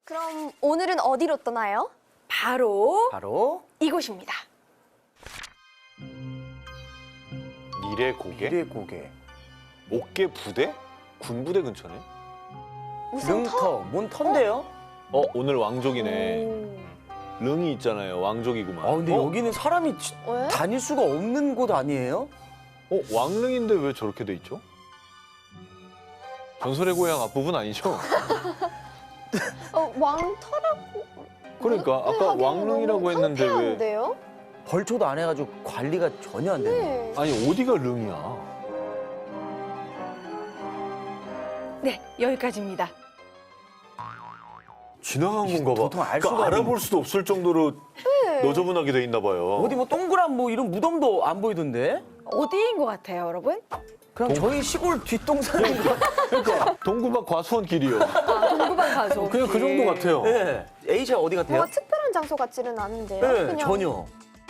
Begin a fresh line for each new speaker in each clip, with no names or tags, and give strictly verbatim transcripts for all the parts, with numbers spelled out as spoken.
그럼 오늘은 어디로 떠나요?
바로
바로
이곳입니다.
미래 고개?
미래 고개.
옥계 부대? 군부대 근처네.
무슨 터?
릉터. 뭔 터인데요?
어 오늘 왕족이네.
오.
릉이 있잖아요. 왕족이구만.
아 근데
어?
여기는 사람이 지-
왜?
다닐 수가 없는 곳 아니에요?
어 왕릉인데 왜 저렇게 돼 있죠? 전설의 고향 앞부분 아니죠?
어, 왕터라고?
그러니까 아까
하기에는
왕릉이라고
너무
했는데 왜?
황폐한데요?
벌초도 안 해가지고 관리가 전혀 안 되네.
네.
아니 어디가 릉이야?
네, 여기까지입니다.
지나간 건가 봐.
도통 알
그러니까
수가
알아볼 수도 없을 정도로
네.
너저분하게 돼 있나 봐요.
어디 뭐 동그란 뭐 이런 무덤도 안 보이던데?
어디인 것 같아요, 여러분?
그냥 저희 시골 뒷동산인 거.
그러니까 동구박 과수원 길이요.
아, 동구방 가서.
그냥 그 정도 같아요.
네. A社어디 같아요?
뭔가 특별한 장소 같지는 않은데요.
네,
그냥
전혀.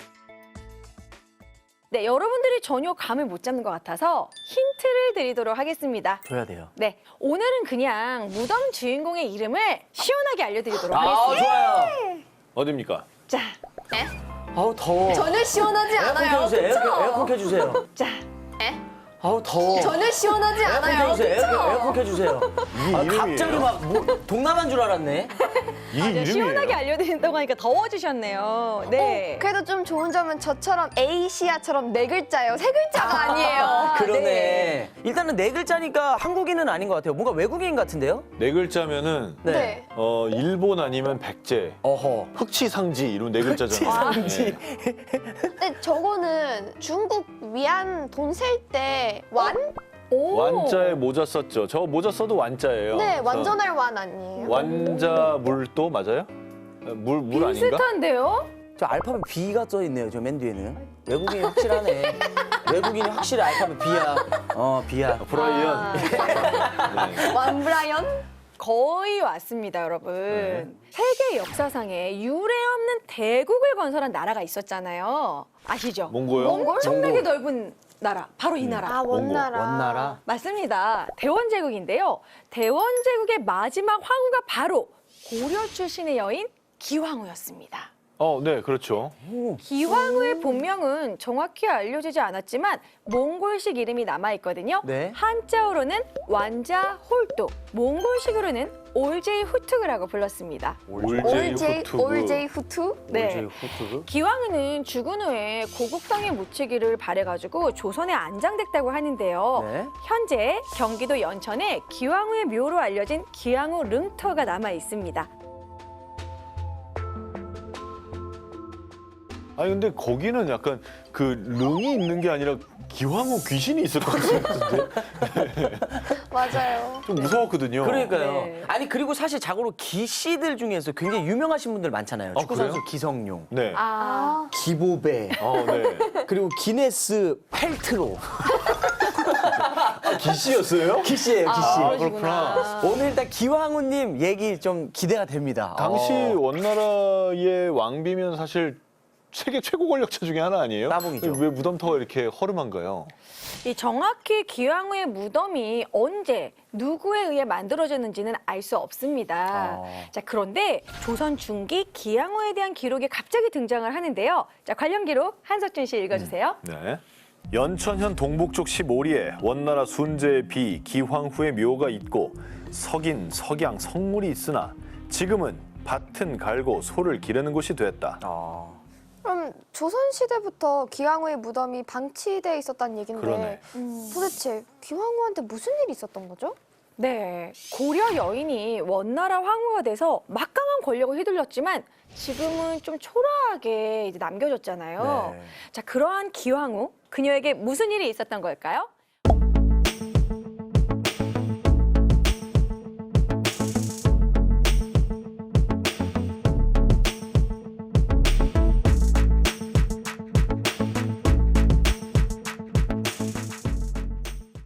네, 여러분들이 전혀 감을 못 잡는 것 같아서 힌트를 드리도록 하겠습니다.
줘야 돼요.
네, 오늘은 그냥 무덤 주인공의 이름을 시원하게 알려드리도록
아
하겠습니다.
좋아요.
어딥니까?
자,
아우 더워.
전혀 시원하지
에어컨
않아요.
켜주세요.
그쵸?
에어컨, 에어컨 켜주세요.
자,
아우 더워.
전혀 시원하지
에어컨
않아요.
켜주세요. 에어컨,
그쵸?
에어컨 켜주세요.
이게
아,
이름이에요?
갑자기 막 뭐, 동남아인 줄 알았네.
이게
아,
이름이에요?
시원하게 알려드린다고 하니까 더워지셨네요. 네.
어, 그래도 좀 좋은 점은 저처럼 에이시아처럼 네 글자예요. 세 글자가 아니에요.
그러네.
네.
일단은 네 글자니까 한국인은 아닌 것 같아요. 뭔가 외국인 같은데요?
네 글자면은
네.
네.
어 일본 아니면 백제,
어허.
흑치상지 이런 네 글자잖아요.
흑치상지.
네.
근데 저거는 중국 위안 돈 셀 때 완?
오.
완자에 모자 썼죠. 저 모자 써도 완자예요.
네,
그래서
완전할 완 아니에요.
완자 물도 맞아요? 물 물 아닌가?
비슷한데요?
저 알파벳 B가 써 있네요. 저 맨 뒤에는. 외국인이 확실하네. 외국인이 확실히 알파벳 B야. 어, B야.
브라이언.
아,
네.
완 브라이언?
거의 왔습니다, 여러분.
네.
세계 역사상에 유례 없는 대국을 건설한 나라가 있었잖아요. 아시죠?
몽고요?
몽골?
엄청나게
몽골.
넓은 나라, 바로 이 나라.
아, 원나라.
원나라.
맞습니다. 대원제국인데요. 대원제국의 마지막 황후가 바로 고려 출신의 여인 기황후였습니다.
어, 네, 그렇죠.
오.
기황후의 본명은 정확히 알려지지 않았지만 몽골식 이름이 남아있거든요.
네.
한자어로는 완자 홀뚝, 몽골식으로는 올제이 후투그라고 불렀습니다.
올제이
올제이,
후투그.
올제이 후투?
네.
후투그.
기황후는 죽은 후에 고국 땅에 묻히기를 바래가지고 조선에 안장됐다고 하는데요.
네.
현재 경기도 연천에 기황후의 묘로 알려진 기황후 릉터가 남아 있습니다.
아니 근데 거기는 약간 그 릉이 있는 게 아니라 기황후 귀신이 있을 것 같은데
맞아요.
좀 무서웠거든요.
그러니까요.
네.
아니 그리고 사실 자고로 기씨들 중에서 굉장히 유명하신 분들 많잖아요.
아,
축구 선수
그래요?
기성용,
네.
아,
아,
기보배,
어, 네.
그리고 기네스 펠트로.
아, 기씨였어요?
기씨예요, 기씨.
아,
그러시구나.
오늘 일단 기황후님 얘기 좀 기대가 됩니다.
당시
어.
원나라의 왕비면 사실 세계 최고 권력자 중에 하나 아니에요?
따봉이죠.
왜 무덤터가 이렇게 허름한가요?
이 정확히 기황후의 무덤이 언제 누구에 의해 만들어졌는지는 알 수 없습니다.
아.
자, 그런데 조선 중기 기황후에 대한 기록이 갑자기 등장을 하는데요. 자, 관련 기록 한석준 씨 읽어주세요.
네. 연천현 동북쪽 십오리에 원나라 순제의 비 기황후의 묘가 있고 석인, 석양, 성물이 있으나 지금은 밭은 갈고 소를 기르는 곳이 됐다.
아.
그럼 조선시대부터 기황후의 무덤이 방치돼 있었다는 얘긴데
그러네.
음, 도대체 기황후한테 무슨 일이 있었던 거죠?
네, 고려 여인이 원나라 황후가 돼서 막강한 권력을 휘둘렀지만 지금은 좀 초라하게 이제 남겨졌잖아요.
네.
자, 그러한 기황후, 그녀에게 무슨 일이 있었던 걸까요?